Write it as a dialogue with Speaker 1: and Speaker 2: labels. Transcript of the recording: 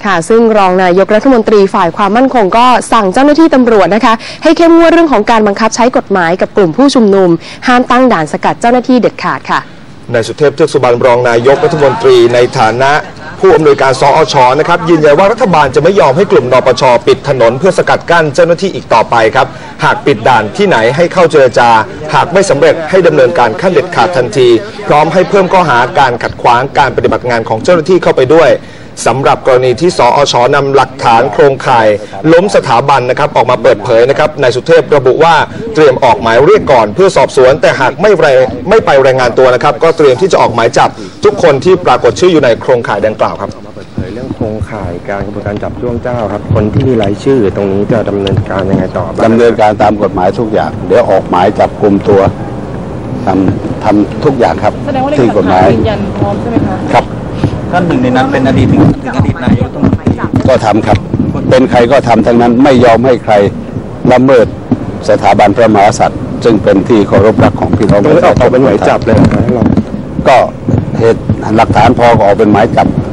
Speaker 1: ค่ะซึ่งรองนายกรัฐมนตรีฝ่ายความมั่นคงก็สั่งเจ้าหน้าที่ตำรวจนะคะให้เข้มงวดเรื่องของการบังคับใช้กฎหมายกับกลุ่มผู้ชุมนุมห้ามตั้งด่านสกัดเจ้าหน้าที่เด็ดขาดค่ะ
Speaker 2: นายสุเทพเทือกสุบรรณรองนายกรัฐมนตรีในฐานะผู้อำนวยการสอช.นะครับยืนยันว่ารัฐบาลจะไม่ยอมให้กลุ่มนปช.ปิดถนนเพื่อสกัดกั้นเจ้าหน้าที่อีกต่อไปครับหากปิดด่านที่ไหนให้เข้าเจรจาหากไม่สำเร็จให้ดำเนินการขั้นเด็ดขาดทันทีพร้อมให้เพิ่มข้อหาการขัดขวางการปฏิบัติงานของเจ้าหน้าที่เข้าไปด้วยสำหรับกรณีที่สอช.นำหลักฐานโครงข่ายล้มสถาบันนะครับออกมาเปิดเผยนะครับนายสุเทพระบุว่าเตรียมออกหมายเรียกก่อนเพื่อสอบสวนแต่หากไม่ไปรายงานตัวนะครับก็เตรียมที่จะออกหมายจับทุกคนที่ปรากฏชื่ออยู่ในโครงข่ายดังกล่าวครับ
Speaker 3: เปิดเผยเรื่องโครงข่ายการกระบวนการจับจ้วงเจ้าครับคนที่มีรายชื่อตรงนี้จะดำเนินการยังไงต่อ
Speaker 4: ดำเนินการตามกฎหมายทุกอย่างเดี๋ยวออกหมายจับกุมตัวทำทุกอย่างครับที่กฎหมาย
Speaker 5: ยืนยันพร้อมใช่ไหมคะ
Speaker 4: ครับ
Speaker 6: ท่านหนึ่งในนั้นเป็นอดีตถึงอดีตนายกรัฐมนตรี
Speaker 4: ก็ทำครับเป็นใครก็ทำทั้งนั้นไม่ยอมให้ใครละเมิดสถาบันพระมหากษัตริย์ซึ่งเป็นที่เคารพรักของพี่น้องประชาชน
Speaker 3: ออกเป็นหมายจับเลย
Speaker 4: ก็เหตุหลักฐานพอก็ออกเป็นหมายจับ